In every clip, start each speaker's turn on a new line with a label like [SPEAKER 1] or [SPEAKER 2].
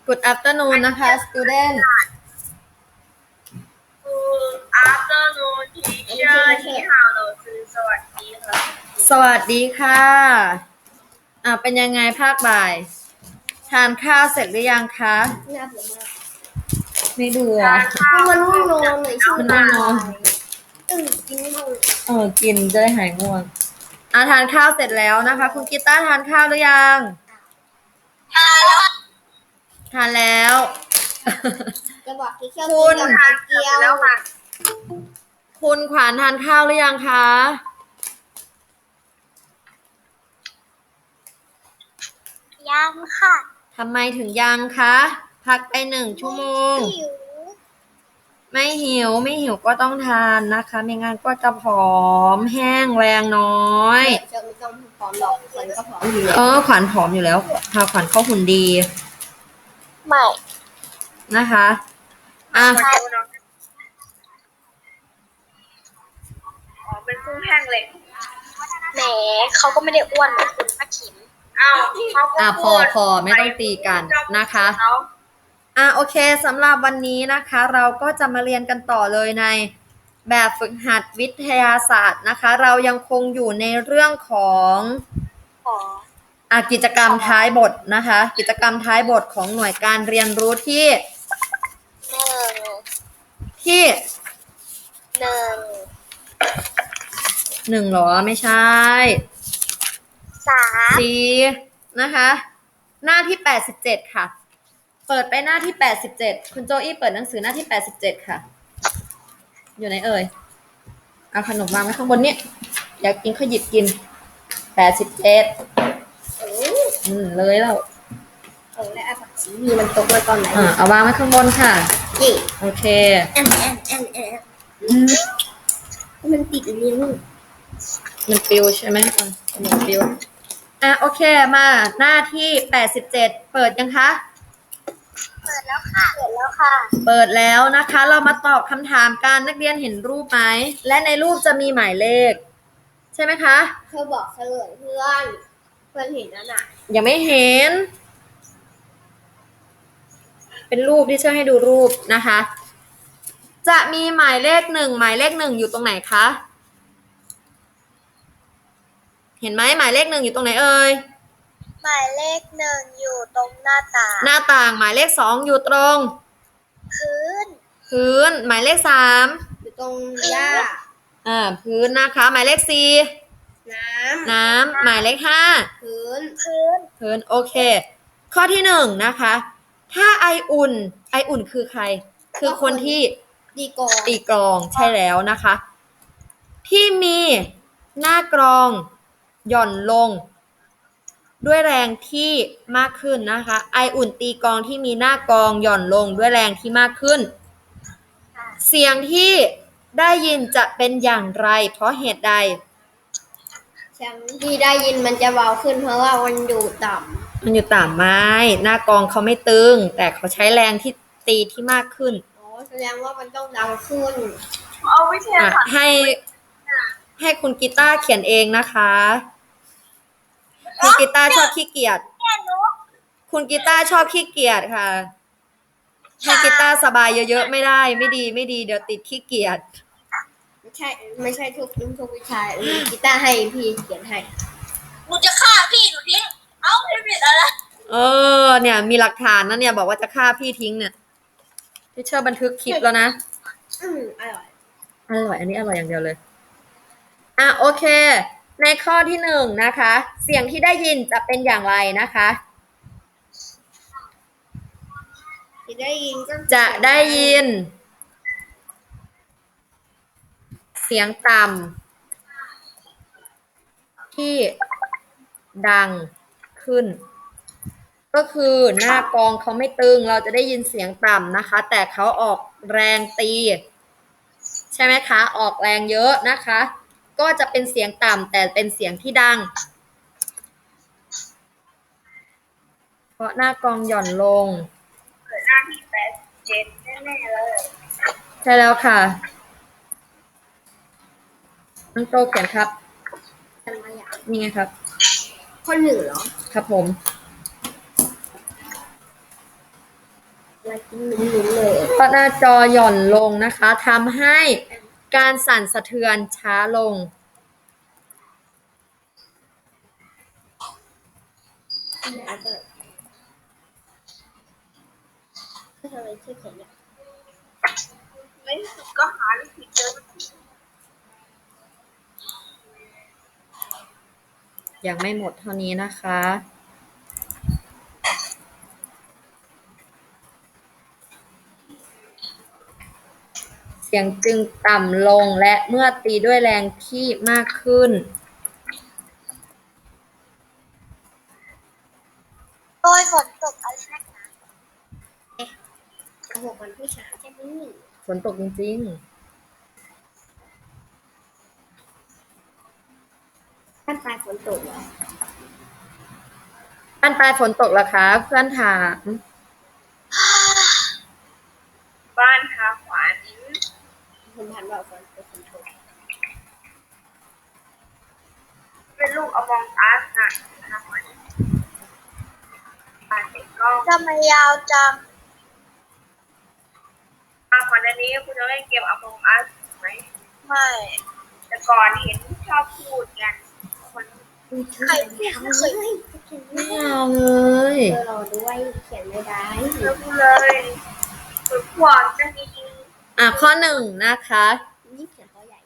[SPEAKER 1] Good afternoon นะคะ student
[SPEAKER 2] Good afternoon teacher 你好老师สวัสดีค่ะ
[SPEAKER 1] สวัสดีค่ะเป็นยังไงภาคบ่าย ทานข้าวเสร็จหรือยังคะ
[SPEAKER 3] น่าเบื่อมาก
[SPEAKER 1] ไม่เบื่อ
[SPEAKER 3] มันง่วงนอนเลยช่วง
[SPEAKER 1] มันง่วงนอน
[SPEAKER 3] กินง่วง
[SPEAKER 1] กินจะได้หายง่วงทานข้าวเสร็จแล้วนะคะ คุณกีตาร์ทานข้าวหรือยัง ทานแล้ว
[SPEAKER 3] จะบอกที่เที่ยว
[SPEAKER 1] คุณ
[SPEAKER 3] กินกับไข่เจียว
[SPEAKER 2] แล้วค่ะ
[SPEAKER 1] คุณขวานทานข้าวหรือยังคะ
[SPEAKER 2] ยังค่ะ
[SPEAKER 1] ทำไมถึงยังคะ พักไป1 ชั่วโมง
[SPEAKER 3] หิว
[SPEAKER 1] ไม่หิวก็ต้องทานนะคะ ไม่งั้นก็จะผอมแห้งแรงน้อย
[SPEAKER 3] จะไม่ต้องพร้อมหรอกคนก็พร้อมอยู่แล้ว
[SPEAKER 1] ขวัญผอมอยู่แล้วพาขวัญเข้าหุ่นดี
[SPEAKER 2] ไม่
[SPEAKER 1] นะคะอ่ะ
[SPEAKER 2] มาดูน้องอ๋อเป็นกุ้งแห้งเลยแหมเขาก็ไม่ได้อ้วนนะคุณป้าขิมอ้าวเขาก็
[SPEAKER 1] พอไม่ต้องตีกันนะคะโอเคสำหรับวันนี้นะคะ เราก็จะมาเรียนกันต่อเลยในแบบฝึกหัดวิทยาศาสตร์นะคะ เรายังคงอยู่ในเรื่องของกิจกรรมท้ายบทนะคะ กิจกรรมท้ายบทของหน่วยการเรียนรู้ที่
[SPEAKER 2] หนึ่ง
[SPEAKER 1] 1หรอไม่ใช่
[SPEAKER 2] 3
[SPEAKER 1] 4นะคะ หน้าที่87ค่ะ เปิดไปหน้าที่87คุณโจอี้เปิดหนังสือหน้าที่87ค่ะอยู่ไหนเอ่ยเอาขนมวางไว้ข้างบนนี้อยากกินก็หยิบกิน87เลยแล้ว
[SPEAKER 3] และอาผักชีมีมันตกมาตอนไหน
[SPEAKER 1] เอาวางไว้ข้างบนค่ะ
[SPEAKER 3] นี่
[SPEAKER 1] โอเค
[SPEAKER 3] มันติดลิ้น
[SPEAKER 1] มันปิวใช่ไหมมันปิวโอเคมาหน้าที่87เปิดยังคะ
[SPEAKER 2] เปิดแล้วค่ะ เปิดแล้วค่ะ
[SPEAKER 1] เปิดแล้วนะคะ เรามาตอบคำถามกันนักเรียนเห็นรูปไหมและในรูปจะมีหมายเลขใช่ไหมคะ
[SPEAKER 3] เธอบอกเฉลยเพื่อนเห็นแล้วน่ะ
[SPEAKER 1] ยังไม่เห็น เป็นรูปที่เชื่อให้ดูรูปนะคะ จะมีหมายเลข1หมายเลข1อยู่ตรงไหนคะเห็นไหมหมายเลข1อยู่ตรงไหนเอ่ย
[SPEAKER 2] หมายเลข 1อยู่ตรงหน้าต่าง
[SPEAKER 1] หน้าต่างหมายเลข2อยู่ตรง
[SPEAKER 2] พื้น
[SPEAKER 1] หมายเลข3
[SPEAKER 3] อยู่ตรงหญ้า
[SPEAKER 1] พื้นนะคะ หมายเลข4น้ำหมายเลข5พื้นโอเค ข้อที่1นะคะถ้าไออุ่นคือใคร คือคนที่ตีกลองใช่แล้วนะคะ ที่มีหน้ากลองหย่อนลงด้วยแรงที่มากขึ้นนะคะไออุ่นตีกลองที่มีหน้ากลองหย่อนลงด้วยแรงที่มากขึ้นเสียงที่ได้ยินจะเป็นอย่างไรเพราะเหตุใด
[SPEAKER 3] เสียงที่ได้ยินมันจะเบาขึ้นเพราะว่ามันอยู่ต่ำ
[SPEAKER 1] ไหมหน้ากลองเขาไม่ตึงแต่เขาใช้แรงที่ตีที่มากขึ้น
[SPEAKER 3] แสดงว่ามันต้องดังขึ้น
[SPEAKER 2] เอาวิทยาศาสตร์
[SPEAKER 1] ให้คุณกีตาร์เขียนเองนะคะคุณกีตาร์ชอบขี้เกียจคุณกีตาร์ชอบขี้เกียจค่ะให้กีตาร์สบายเยอะๆไม่ได้ไม่ดีเดี๋ยวติดขี้เกียจ
[SPEAKER 3] ไม่ใช่ทุกวิชากีตาร์ให้พี่เขียนให้
[SPEAKER 2] หนูจะฆ่าพี่หนูทิ้งเอาพี่ผิดอะไร
[SPEAKER 1] เนี่ยมีหลักฐานนะเนี่ยบอกว่าจะฆ่าพี่ทิ้งเนี่ยที่เชื่อบันทึกคลิปแล้วนะ
[SPEAKER 3] อร่อย
[SPEAKER 1] อันนี้อร่อยอย่างเดียวเลยโอเคในข้อที่1นะคะเสียงที่ได้ยินจะเป็นอย่างไรนะคะจะได้ยินเสียงต่ำที่ดังขึ้นก็คือหน้ากลองเขาไม่ตึงเราจะได้ยินเสียงต่ำนะคะแต่เขาออกแรงตีใช่ไหมคะออกแรงเยอะนะคะก็จะเป็นเสียงต่ำแต่เป็นเสียงที่ดังเพราะหน้ากลองหย่อนลง
[SPEAKER 2] หน้าที่87แน่ๆเลย
[SPEAKER 1] ใช่แล้วค่ะน้องโตเขียนครับนี่ไงครับ
[SPEAKER 3] ข้อ1เหรอ
[SPEAKER 1] ครับผม
[SPEAKER 3] ลายกินลุ้นๆเลย
[SPEAKER 1] เพราะหน้าจอหย่อนลงนะคะทำให้การสั่นสะเทือนช้าลง
[SPEAKER 3] ก็ทำไมชื่อเขียนเนี่ย
[SPEAKER 2] ไม่สุดก็หาวิธีเจอ
[SPEAKER 1] ยังไม่หมดเท่านี้นะคะ เสียงจึงต่ำลงและเมื่อตีด้วยแรงที่มากขึ้น
[SPEAKER 2] โดยฝนตกอะไรนักหนา
[SPEAKER 3] โอ้โหมันผู้ชายใช่ไหม
[SPEAKER 1] ฝนตกจริง
[SPEAKER 3] ท่านตายฝนตกเหรอ
[SPEAKER 1] ๆบ้านปลายฝนตกเหรอคะเพื่อนถาม
[SPEAKER 2] บ้านทาขวาน
[SPEAKER 3] คุณพันบอกฝนตก
[SPEAKER 2] เป็นลูกอมองอัสนะทาขวานบ้านเด็กก็ทำไมยาวจังก่อนอันนี้คุณจะเล่นเกมอมองอัสไหมไม่แต่ก่อนเห็นชอบพูดกันคนใครไม่เคย
[SPEAKER 1] ไม่เอาเลย
[SPEAKER 3] รอด้วยเขียนไม่ได้
[SPEAKER 2] เลิกเลยฝึกขวานจะมี
[SPEAKER 1] ข้อหนึ่งนะคะ
[SPEAKER 3] นี่เขียนเขาใหญ่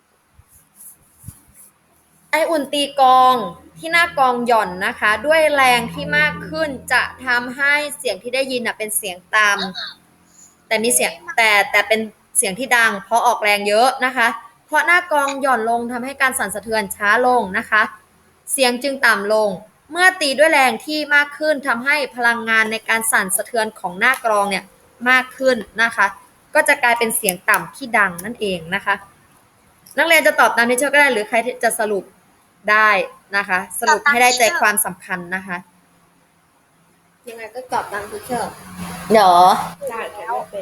[SPEAKER 1] ไออุ่นตีกลองที่หน้ากลองหย่อนนะคะ ด้วยแรงที่มากขึ้นจะทำให้เสียงที่ได้ยินเป็นเสียงต่ำแต่มีเสียงแต่เป็นเสียงที่ดังเพราะออกแรงเยอะนะคะ เพราะหน้ากลองหย่อนลงทำให้การสั่นสะเทือนช้าลงนะคะ เสียงจึงต่ำลง เมื่อตีด้วยแรงที่มากขึ้นทำให้พลังงานในการสั่นสะเทือนของหน้ากลองเนี่ยมากขึ้นนะคะ ก็จะกลายเป็นเสียงต่ำที่ดังนั่นเองนะคะ นักเรียนจะตอบตามที่เชื่อก็ได้หรือใครจะสรุปได้นะคะ สรุปให้ได้ใจความสำคัญนะคะ
[SPEAKER 3] ยังไงก็ตอบตามที่เชื่อ
[SPEAKER 1] เดี๋ยว
[SPEAKER 3] ได้เขียนไม่เป็น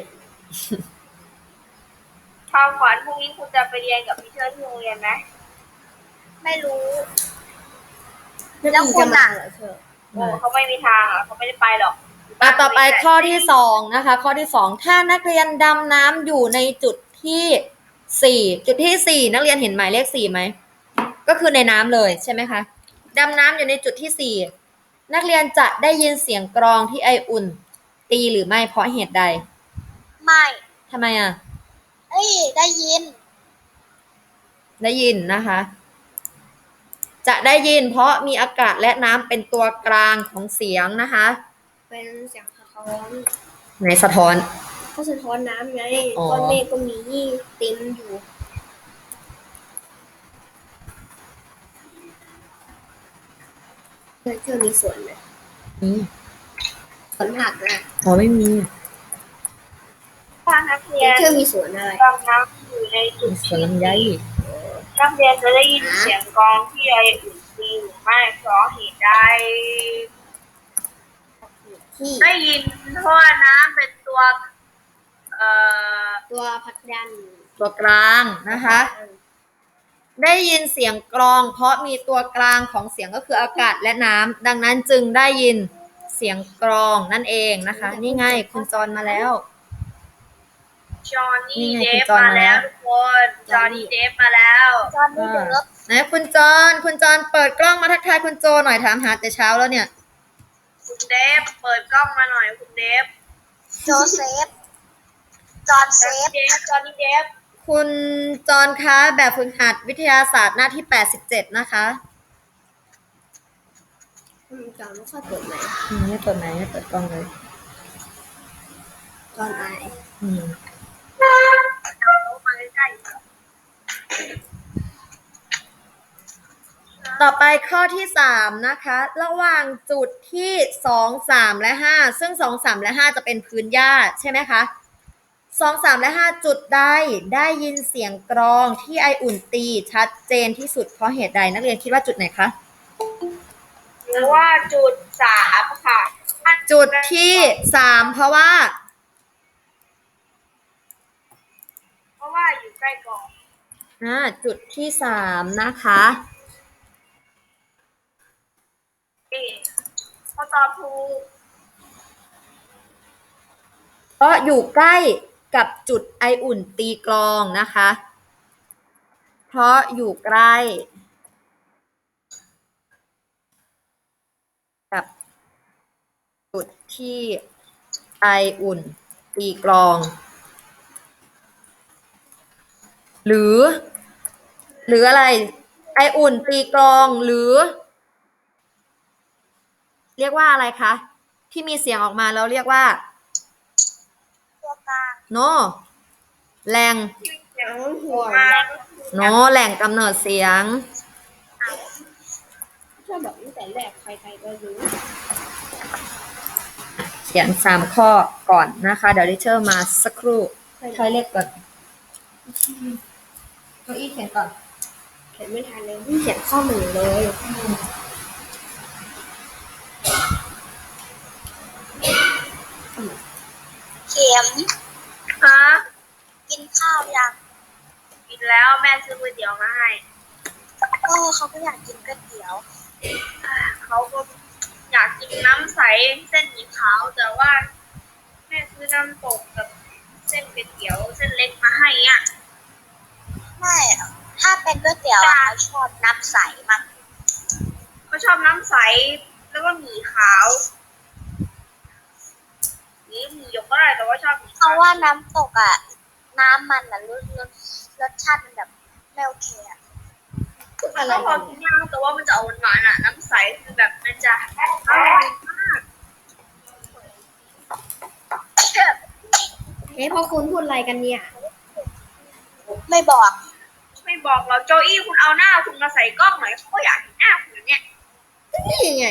[SPEAKER 2] ทาขวานพรุ่งนี้คุณจะไปเรียนกับพี่เชิญที่โรงเรียนไหมไม่รู้
[SPEAKER 3] แล้วคุณจะมาเหรอเชื่อ
[SPEAKER 2] โอ้เขาไม่มีทางอ่ะเขาไม่ได้ไปหรอก
[SPEAKER 1] ต่อไปข้อที่สองนะคะ ข้อที่สองถ้านักเรียนดำน้ำอยู่ในจุดที่สี่จุดที่สี่นักเรียนเห็นหมายเลขสี่ไหมก็คือในน้ำเลยใช่ไหมคะดำน้ำอยู่ในจุดที่สี่นักเรียนจะได้ยินเสียงกรองที่ไออุ่น ตีหรือไม่เพราะเหตุใด
[SPEAKER 2] ไม่
[SPEAKER 1] ทำไมอ่ะ
[SPEAKER 2] เอ้ยได้ยิน
[SPEAKER 1] ได้ยินนะคะ จะได้ยินเพราะมีอากาศและน้ำเป็นตัวกลางของเสียงนะคะ
[SPEAKER 3] เป็นเสียงสะท้อน
[SPEAKER 1] ไหนสะท้อน
[SPEAKER 3] ก็สะท้อนน้ำไง
[SPEAKER 1] อ๋อ
[SPEAKER 3] ก้อนเมฆก็มีเต็มอยู่เชื่อมีส่วนไหม
[SPEAKER 1] นี่
[SPEAKER 3] สวนผักนะ
[SPEAKER 1] อ๋อไม่มี
[SPEAKER 2] ถ้านักเรียน
[SPEAKER 3] เชื่อมีส่วนอะไร
[SPEAKER 2] ดำน้ำอยู่ในจุด
[SPEAKER 1] สวนลำไย
[SPEAKER 2] นักเรียนจะได้ยินเสียงกลองที่ไออุ่นตีหรือไม่เพราะเหตุใด
[SPEAKER 3] ที่
[SPEAKER 2] ได้ยินเพราะว่าน้ำเป็นตัว
[SPEAKER 3] ตัวผลักดัน
[SPEAKER 1] ตัวกลางนะคะ ได้ยินเสียงกรองเพราะมีตัวกลางของเสียงก็คืออากาศและน้ำดังนั้นจึงได้ยินเสียงกรองนั่นเองนะคะ นี่ไงคุณจอนมาแล้ว
[SPEAKER 2] จอห์นนี่
[SPEAKER 1] นี่ไง
[SPEAKER 2] เด
[SPEAKER 1] คุณ
[SPEAKER 2] ฟ
[SPEAKER 1] จอห์น
[SPEAKER 2] มา
[SPEAKER 1] มาแล้
[SPEAKER 2] แล้ว วทุกคนจอห์นนี่เดฟมาแล้วจอห์นนี่เดฟ
[SPEAKER 1] ไหนคุณจอนเปิดกล้องมาทักทายคุณโจหน่อยถามหาแต่เช้าแล้วเนี่ย
[SPEAKER 2] คุณเดฟเปิดกล้องมาหน่อยคุณเดฟโจเซฟจอห์นเซฟจอห์นนี่เดฟ
[SPEAKER 1] คุณจอนคะแบบฝึกหัดวิทยาศาสตร์หน้าที่87นะคะ
[SPEAKER 3] จอนไม่ค่อยเปิดไหม
[SPEAKER 1] ไม่เปิดไหมไม่เปิดกล้องเลย
[SPEAKER 3] จอนไอ
[SPEAKER 1] อืม
[SPEAKER 2] มาใกล้
[SPEAKER 1] ต่อไปข้อที่3นะคะ ระหว่างจุดที่2 3และ5ซึ่ง2 3และ5จะเป็นพื้นหญ้าใช่ไหมคะ2 3และ5จุดใดได้ยินเสียงกรองที่ไออุ่นตีชัดเจนที่สุดเพราะเหตุใดนักเรียนคิดว่าจุดไหนคะ
[SPEAKER 2] หรือว่าจุด3ค่ะ
[SPEAKER 1] จุดที่3เพราะว่า
[SPEAKER 2] อยู่ใกล้กอง
[SPEAKER 1] จุดที่3นะคะ
[SPEAKER 2] เขาตอบถูก
[SPEAKER 1] ราะอยู่ใกล้กับจุดไออุ่นตีกลองนะคะ เพราะอยู่ใกล้กับจุดที่ไออุ่นตีกลอง หรืออะไร ไออุ่นตีกลองหรือ เรียกว่าอะไรคะที่มีเสียงออกมาแล้วเรียกว่า
[SPEAKER 2] ตัวกลาง
[SPEAKER 1] โนแหล่ง
[SPEAKER 2] เสียงหัวมา
[SPEAKER 1] โนแหล่งกำเนิดเสียง
[SPEAKER 3] ถ้าบอกตั้งแต่แรกใครๆก็รู้
[SPEAKER 1] เขียน3 ข้อก่อนนะคะ เดี๋ยวดิเชอร์มาสักครู่ใช้เลขก่อนเก้าอี้เขียนก่อน
[SPEAKER 3] เขียนไม่ทันเลยเขียนข้อมือเลย
[SPEAKER 2] เข็มฮะกินข้าวยังกินแล้วแม่ซื้อก๋วยเตี๋ยวมาให้เขาก็อยากกินก๋วยเตี๋ยวเขาก็อยากกินน้ำใสเส้นหมี่ขาวแต่ว่าแม่ซื้อน้ำตกกับเส้นก๋วยเตี๋ยวเส้นเล็กมาให้อ่ะไม่ถ้าเป็นก๋วยเตี๋ยวเขาชอบน้ำใสมากเขาชอบน้ำใสแล้วก็หมี่ขาวนี่หมี่หยกก็ได้แต่ว่าชอบหมี่ขาวเพราะว่าน้ำตกอ่ะน้ำมันอ่ะรสชาติมันแบบไม่โอเคอ่ะก็พอกินได้แต่ว่ามันจะเอาหวานๆอ่ะน้ำใสคือแบบมันจะอร่อยมาก
[SPEAKER 3] เฮ้ยพอคุณพูดอะไรกันเนี่ย
[SPEAKER 2] ไม่บอกเราโจอี้คุณเอาหน้าคุณมาใส่กล้องหน่อยเขาก็อยากเห็นหน้าคุณเนี่ย
[SPEAKER 3] นี่ไง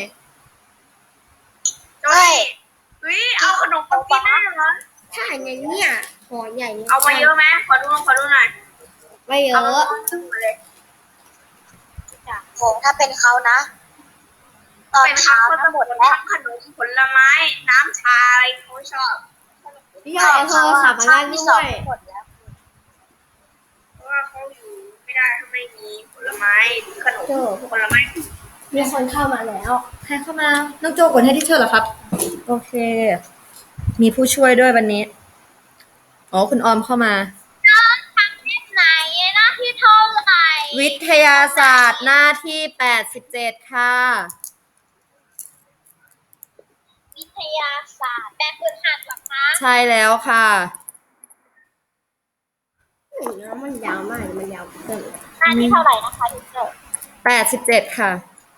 [SPEAKER 2] โจอี้เฮ้ยเอาขนมมากินได้เหรอ
[SPEAKER 3] ถ้าอย่างเนี่ยหอใหญ่
[SPEAKER 2] เอามาเยอะไหมขอดูหน่อย
[SPEAKER 3] ไม่เย
[SPEAKER 2] เอามา
[SPEAKER 3] อะ
[SPEAKER 2] เลยโหถ้าเป็นเขานะตอนเช้าทั้งหมดแล้วขนมผลไม้น้ำชาอะไรเขาชอบ
[SPEAKER 3] พี่ยอดเอาโทรศัพท์มาเล่นด้วย
[SPEAKER 2] หมดแล้วเพราะว่าเขาอยู่ไม่ได้ถ้าไม่มีผลไม้ขนมผลไม้
[SPEAKER 3] มีคนเข้ามาแล้ว
[SPEAKER 1] ใครเข้ามา น้องโจกดให้ดิเชอร์เหรอครับ โอเค มีผู้ช่วยด้วยวันนี้ อ๋อ คุณออมเข้ามา
[SPEAKER 2] ทำที่ไหนหน้าที่เท่าไหร่
[SPEAKER 1] วิทยาศาสตร์หน้าที่87ค่ะ
[SPEAKER 2] วิทยาศาสตร์แบบฝึกหัดเหรอคะ
[SPEAKER 1] ใช่แล้วค่ะ
[SPEAKER 3] น้ำมันยาวมากมันยาวเกิน
[SPEAKER 2] หน้าที่เท่าไหร่นะคะดิเจอร์
[SPEAKER 1] 87ค่ะ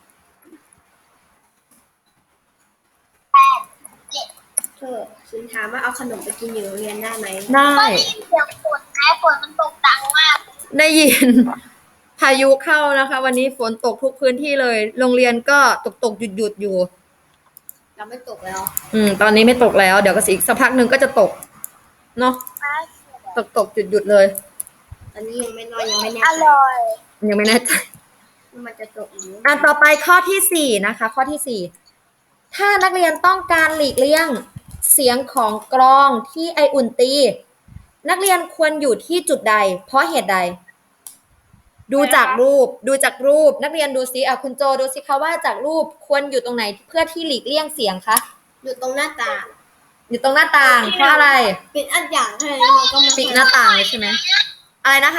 [SPEAKER 3] คุณถามว่าเอาขนมไปกินอยู่โรงเรียนได้ไหม
[SPEAKER 1] ได้
[SPEAKER 2] ได้ยินเสียงฝนไหมฝนมันตกดังมาก
[SPEAKER 1] ได้ยิน พายุเข้านะคะ วันนี้ฝนตกทุกพื้นที่เลย โรงเรียนก็ตกหยุดอยู่
[SPEAKER 3] เราไม่ตกแล้ว
[SPEAKER 1] ตอนนี้ไม่ตกแล้ว เดี๋ยวก็อีกสักพักหนึ่งก็จะตก เนาะ ตกหยุดเลย
[SPEAKER 3] ตอนนี้ยังไม่น้อยยังไม่แน่
[SPEAKER 2] อ
[SPEAKER 3] ใจ
[SPEAKER 2] ร่อย
[SPEAKER 1] ยังไม่แน่ใจ
[SPEAKER 3] ว่ามันจะตกหรือ
[SPEAKER 1] ต่อไปข้อที่4นะคะ ข้อที่4ถ้านักเรียนต้องการหลีกเลี่ยงเสียงของกลองที่ไออุ่นตี นักเรียนควรอยู่ที่จุดใด เพราะเหตุใด ดูจากรูปนักเรียนดูซิคุณโจดูสิคะว่าจากรูปควรอยู่ตรงไหนเพื่อที่หลีกเลี่ยงเสียงคะ
[SPEAKER 3] อยู่ตรงหน้าต่าง
[SPEAKER 1] อยู่ตรงหน้าต่างเพราะอะไร
[SPEAKER 3] ปิดอันอย่างให้แล้วเราก็มา
[SPEAKER 1] ปิดหน้าต่างเลยใช่ไหมอะไรนะคะ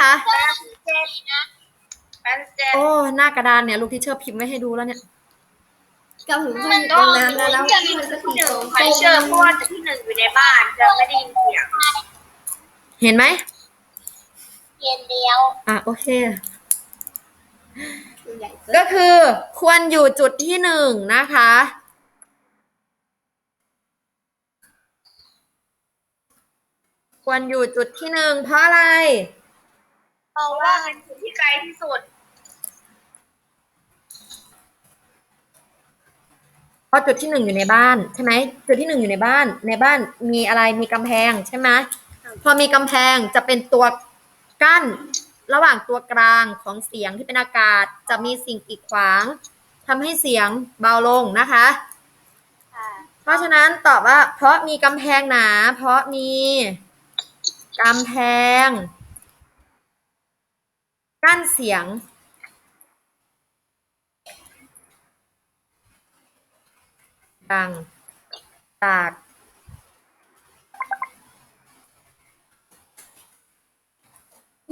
[SPEAKER 2] 87
[SPEAKER 1] โอ้หน้ากระดานเนี่ยลูกที่เชอร์พิมพ์ไว้ให้ดูแล้วเนี่ย
[SPEAKER 3] กับถึงค่อยอยู่ตรงนั้นแล้ว
[SPEAKER 2] ที่หนึ่งใครเชื่อเพราะว่าที่หนึ่งอยู่ในบ้านจะไม่ได้ยินเสียง
[SPEAKER 1] เห็นไหม
[SPEAKER 2] เรียนเดียว
[SPEAKER 1] โอเค
[SPEAKER 3] ใหญ่
[SPEAKER 1] ก็คือควรอยู่จุดที่1นะคะ ควรอยู่จุดที่1เพราะอะไร
[SPEAKER 2] เพราะว่าเป็นจุดที่ไกลที่สุด
[SPEAKER 1] เพราะจุดที่1อยู่ในบ้านใช่ไหมจุดที่1อยู่ในบ้านมีอะไรมีกำแพงใช่ไหมพอมีกำแพงจะเป็นตัวกั้นระหว่างตัวกลางของเสียงที่เป็นอากาศจะมีสิ่งกีดขวางทำให้เสียงเบาลงนะคะ เพราะฉะนั้นตอบว่าเพราะมีกำแพงหนาเพราะมีกำแพงกั้นเสียงดังจาก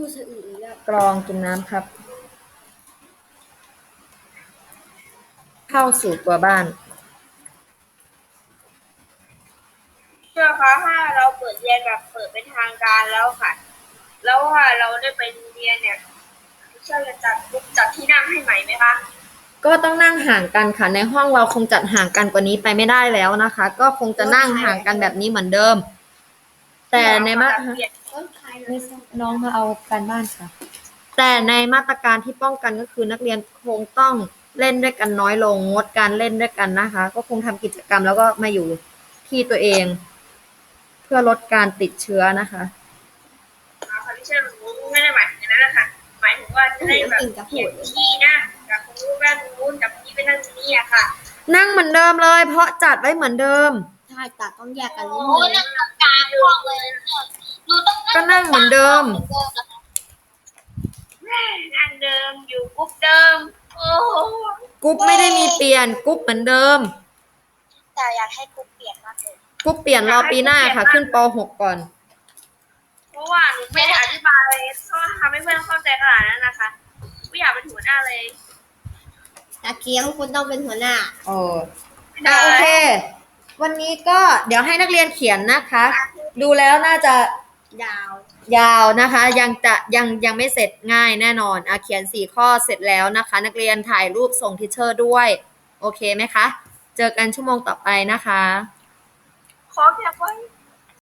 [SPEAKER 3] พูดสะอึกอีกแล้ว
[SPEAKER 1] กรองกินน้ำครับ เข้าสู่ตัวบ้าน
[SPEAKER 2] เชื่อคะถ้าเราเปิดเรียนแบบเปิดเป็นทางการแล้วค่ะ แล้วว่าเราได้ไปเรียนเนี่ยเชื่อจะจัดที่นั่งให้ใหม่ไหมคะ
[SPEAKER 1] ก็ต้องนั่งห่างกันค่ะ ในห้องเราคงจัดห่างกันกว่านี้ไปไม่ได้แล้วนะคะ ก็คงจะนั่งห่างกันแบบนี้เหมือนเดิม แต่ในมาตร
[SPEAKER 3] ต้นใคร
[SPEAKER 1] ไม่ทราบน้องมาเอาการบ้านค่ะ แต่ในมาตรการที่ป้องกันก็คือนักเรียนคงต้องเล่นด้วยกันน้อยลงงดการเล่นด้วยกันนะคะ ก็คงทำกิจกรรมแล้วก็มาอยู่ที่ตัวเอง เพื่อลดการติดเชื้อนะคะ
[SPEAKER 2] ค่ะที่เชื่อหนูไม่ได้หมายถึงนั้นนะคะหมายถึงว่าจะได้แบบเขียนที่นั่งกับคนนู้นนั่งนู้นกับนี้ไปนั่งนี่อะค่ะ
[SPEAKER 1] นั่งเหมือนเดิมเลย เพราะจัดไว้เหมือนเดิม
[SPEAKER 3] ถ้าตัดต้องแยกกันนิ
[SPEAKER 2] โอ้
[SPEAKER 3] ด
[SPEAKER 2] โห
[SPEAKER 3] นึง
[SPEAKER 2] นั่งตรงกลางห้องเลยหนูต้อง
[SPEAKER 1] ก็นั่งเหมือนเดิม
[SPEAKER 2] นั่งเดิมอยู่กรุ๊ปเดิมโอ้โห
[SPEAKER 1] กรุ๊ปไม่ได้มีเปลี่ยนกรุ๊ปเหมือนเดิม
[SPEAKER 2] แต่อยากให้กรุ๊ปเปลี่ยนมากเลย
[SPEAKER 1] กรุ๊ปเปลี่ยนรอปีหน้าค่ะ ขึ้นป .6 ก่อน
[SPEAKER 2] เพราะว่าหนูไม่ได้อธิบายเลยก็ทำให้เพื่อนเข้าใจขนาดนั้นนะคะไม่อยากเป็นหัวหน้าเลย
[SPEAKER 3] ตะเกียงคุณต้องเป็นหัวหน้า
[SPEAKER 1] โอ้โอเค วันนี้ก็เดี๋ยวให้นักเรียนเขียนนะคะ ดูแล้วน่าจะ
[SPEAKER 3] ดาว
[SPEAKER 1] ยาวนะคะ ยังไม่เสร็จง่ายแน่นอนเขียน4ข้อเสร็จแล้วนะคะ นักเรียนถ่ายรูปส่งทิเชอร์ด้วย โอเคไหมคะ เจอกันชั่วโมงต่อไปนะคะ
[SPEAKER 2] ขอแคปไว้